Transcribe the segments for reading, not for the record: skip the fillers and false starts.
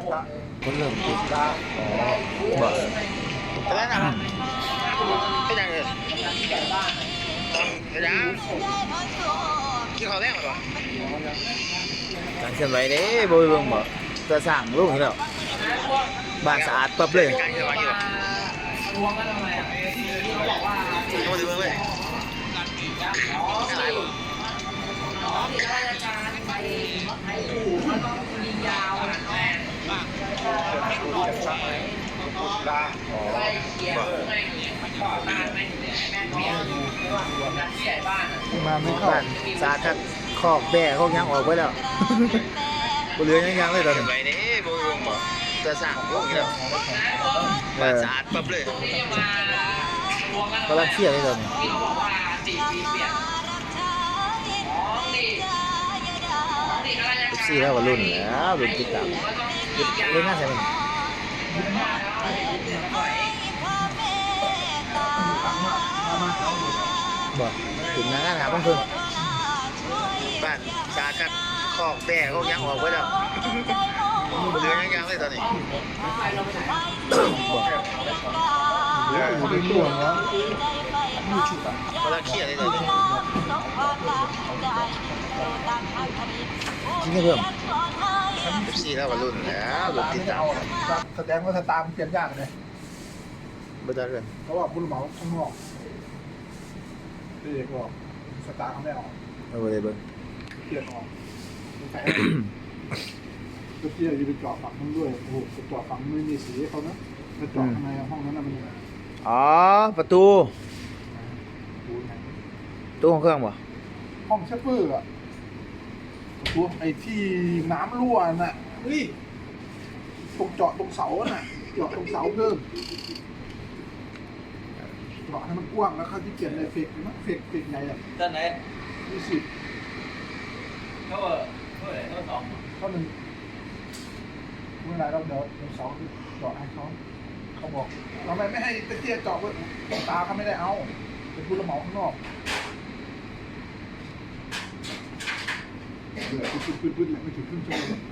คนเริ่มติดอ๋อบ่แต่ละนะเป็นยังไงเป็นยังกินข้าวแดงหรือเปล่าการเคลื่อนไหวเด้บ่เบิ่งบ่จะสร้างลูกนี่แล้วบ้านสะอาดปั๊บเลยการเคลื่อนไหวอยู่ต้องมาดูเบิ่งเลยอะไรบ่มาไม่เข้าบ้านสะอาดครับคอกแบ่คอกยังออกไปแล้วบ่เหลือยังเลยตอนนี้ไปนี่บ่วงบ่จะสร้างลูกนี่แล้วบ้านสะอาดปั๊บเลยกำลังเครียดเลยตอนนี้14แล้วก็รุ่นแล้วรุ่นติดตามเล่นงานใส่มันบอกถึงงานหาเพิ่นบ้านสาครับคอกแบ่คอกยังออกไว้แล้วเหลือยังเลยตอนนี้เขาเป็นตัวแล้วกำลังเครียดเลยตอนนี้จริงเพิ่ม14แล้วก็รุ่นแล้วรุ่นติดตามแสดงว่าสตาร์มันเปลี่ยนยากเลยบ่ได้เรื่องเพราะว่าผู้รับเหมาข้างนอกพี่เอกบอกสตาร์เขาไม่ออกบ่ได้เบิ่งเปลี่ยนออกใส่ก็เที่ยวอยู่ไปเจาะฝั่งนู้นด้วยโอ้โหไปเจาะฝั่งไม่มีสีเขานะไปเจาะข้างในห้องนั้นน่ะมันอ๋อประตูดูไงตู้ของเครื่องบ่ห้องเชฟเฟอร์อะตัวไอ้ที่น้ำรั่วน่ะเฮ้ยตรงเจาะตรงเสาน่ะเจาะตรงเสาเพิ่มเจาะให้มันกว้างแล้วเขาที่เปลี่ยนไอ้เฟกนะเฟกไงอ่ะด้านไหน 20 เขาเท่าไหร่เขา2 เขาหนึ่งเมื่อไหรเราเดี๋ยวเสาเจาะให้เขาบอกทำไมไม่ให้ตะเกียบเจาะว่าตาเขาไม่ได้เอาเป็นผู้รับเหมาข้างนอกเดือดปื้ดๆแหละไม่ถึงครึ่งชั่วโมง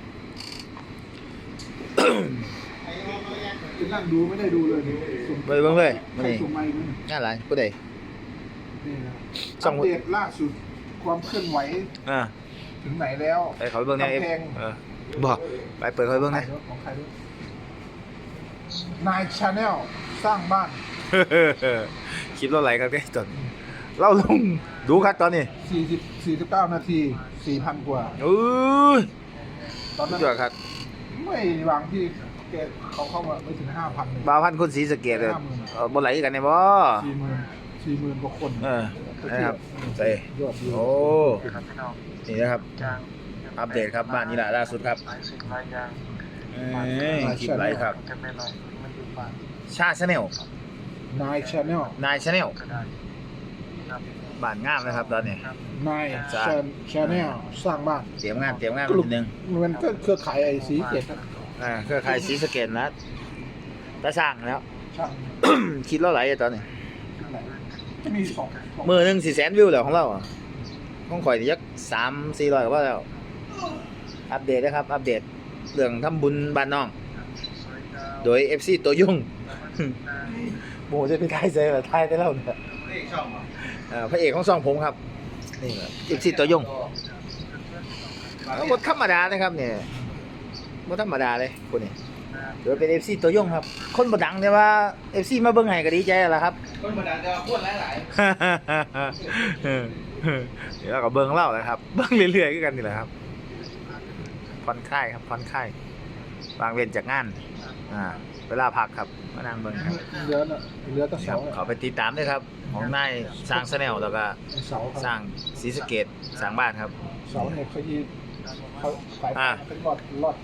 จะนั่งดูไม่ได้ดูเลยไปเบิ่งเลยใครนี่ส่งมาอีกมั้ยงานหลายผู้ใดนี่นะส่อังปเดตล่าสุดความเคลื่อนไหวอ่าถึงไหนแล้วไปเขาไปเบิ่งในกำแพงบ่ไปเปิดเขาไปเบิ่งนะของใครด้วยนายชาแนลสร้างบ้านคลิปเราไหลครับแกจนเราลงดูครับตอนนี้ 49 นาที 4,000 กว่าตอนนั้นยอดครับไม่วางที่แกเขาเข้ามาไม่ถึง 5,000เลยบ่าวพันคนสีสะเกตเลยบ่ไหลกันเนี่ยบ่ 40,000 กว่าคนนะครับใส่ยอดวิวโอ้นี่นะครับอัปเดตครับบ้านนี้แหละล่าสุดครับคลิปไหลครับชาแนลนายชาแนลนายชาแนลบ้านงามนะครับตอนนี้นายชาแนลสร้างบ้านเตรียมงานนิดนึงมันก็เครือข่ายไอ้สีเกตเครือข่ายสีสะเกตนะตาสร้างแล้วช่างคิดแล้วไหลตอนนี้จะมีสองมือหนึ่ง400,000 วิวแล้วของเราของข่อยยัก300-400ก็ว่าแล้วอัปเดตนะครับอัปเดตเรื่องทำบุญบ้านน้องโดย FC ตัวยุ่งโมจะไปถ่ายใส่แบบถ่ายไปแล้วเนี่ยนี่ช่องเหรอพระเอกของซองผมครับนี่ครับ FC ตัวยุ่งบทธรรมดานะครับเนี่ยบทธรรมดาเลยคนนี้โดยเป็น FC ตัวยุ่งครับคนบ่ดังแต่ว่า FC มาเบิ่งให้ก็ดีใจแล้วครับคนบรรดาจะพูดหลายเดี๋ยวเราก็เบิ้งเล่าแหละครับเบิ้งเรื่อยๆกันนี่แหละครับผ่อนคลายครับผ่อนคลายวางเว้นจากงานเวลาพักครับมานั่งเบิ้งครับเรือน่ะเรือตะคเสารับขอไปติดตามด้วยครับของนายสร้างแนลแล้วก็เสาสร้างศรีสะเกษสร้างบ้านครับเสาเนี่ยเขายีเขาสายเป็นรอดใต้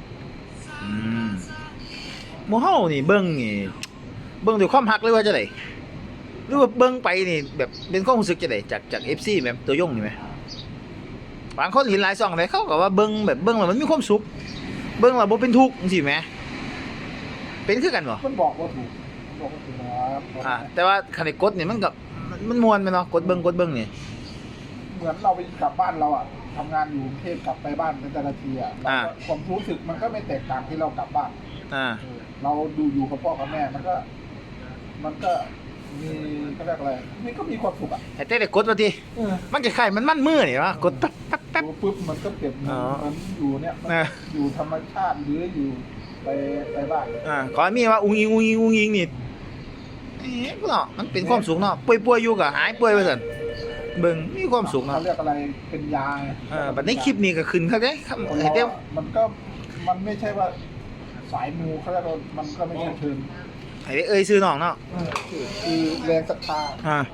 หมู่เฮานี่เบิ้งด้วยความฮักเลยว่าจะไดหรือว่าเบิ้งไปนี่แบบเป็นความรู้สึกจะไดจาก FC แบบตัวยงนี่ไหมบางคนเห็นหลายช่องเลยเขาก็ว่าเบิ้งแบบเบิ้งแล้วมันมีความสุขเบิ้งแล้วบ่เป็นทุกข์จังซี่แหมเป็นคือกันบ่มันบอกว่าถูกนะครับแต่ว่าคันได้กดนี่มันก็มันม่วนแม่นเนาะกดเบิ่งนี่เหมือนเราไปกลับบ้านเราอ่ะทำงานอยู่กรุงเทพกลับไปบ้านเป็นแต่ละทีอ่ะเราก็ความรู้สึกมันก็ไม่แตกต่างที่เรากลับบ้านอ่าเราดูอยู่กับพ่อกับแม่มันก็มีเขาเรียกอะไรมันก็มีความสุขอ่ะแต่ได้กดว่าทีมันจะไข่มันมือนี่วะกดตั๊บตั๊บตั๊บดูปุ๊บมันก็เปรียบเหมันอยู่เนี่ยมันนะอยู่ธรรมชาติหรืออยู่ไปบ้านขอให้มีว่าอุ้งอิงนี่เนาะมันเป็นความสุขเนาะป่วยอยู่ก็หายป่วยไปสั่นเบิ่งมีความสุขเขาเนาะเรียกอะไรเป็นยาไงบัดในคลิปนี้ก็ขึ้นเขาเด้ครับคนให้เราเต็มอะมันไม่ใช่ว่าสายมูเขาเรียกว่ามันก็ไม่ใช่เชิงให้ได้เอ่ยชื่อน้องเนาะคือแรงศรัทธา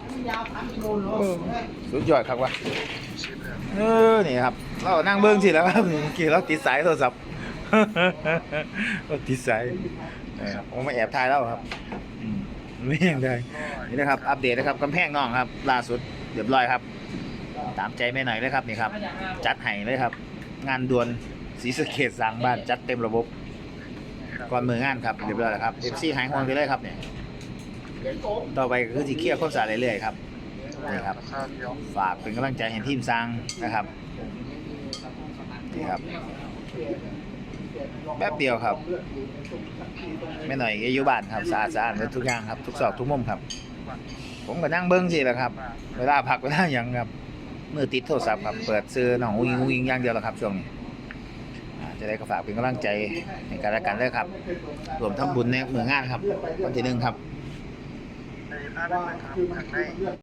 สุดยอดครับว่ะนี่ครับเรานั่งเบิ่งสิแล้วครับเมื่อกี้เราติดสายโทรศัพท์ เราติดสายผมมาแอบถ่ายแล้วครับไม่ยังได้นี่นะครับอัปเดตนะครับกำแพงน้องครับล่าสุดเรียบร้อยครับตามใจแม่หน่อยเลยครับนี่ครับจัดให้เลยครับ งานด่วนศรีสะเกษสร้างบ้านจัดเต็มระบบก่อนมืองานครับเรียบร้อยแล้วครับ FC หายห่วงไปเลยครับเนี่ยต่อไปก็คือสิเคลียร์ความสะอาดเรื่อยๆครับนี่ครับฝากเป็นกำลังใจให้ทีมสร้างนะครับนี่ครับแป๊บเดียวครับไม่หน่อยอยู่บ้านครับสะอาดทุกอย่างครับทุกซอกทุกมุมครับ ผมก็นั่งเบิ้งสิแหละครับเวลาพักเวลาหยังครับมือติดโทรศัพท์ครับเปิดซื้อน้องอุ้งอิงอย่างเดียวแล้วครับช่วงนี้จะได้ก็ฝากเป็นกำลังใจในการละกันด้วยครับรวมทั้งบุญในมืองานครับวันที่ 1ครับว่าคือมัน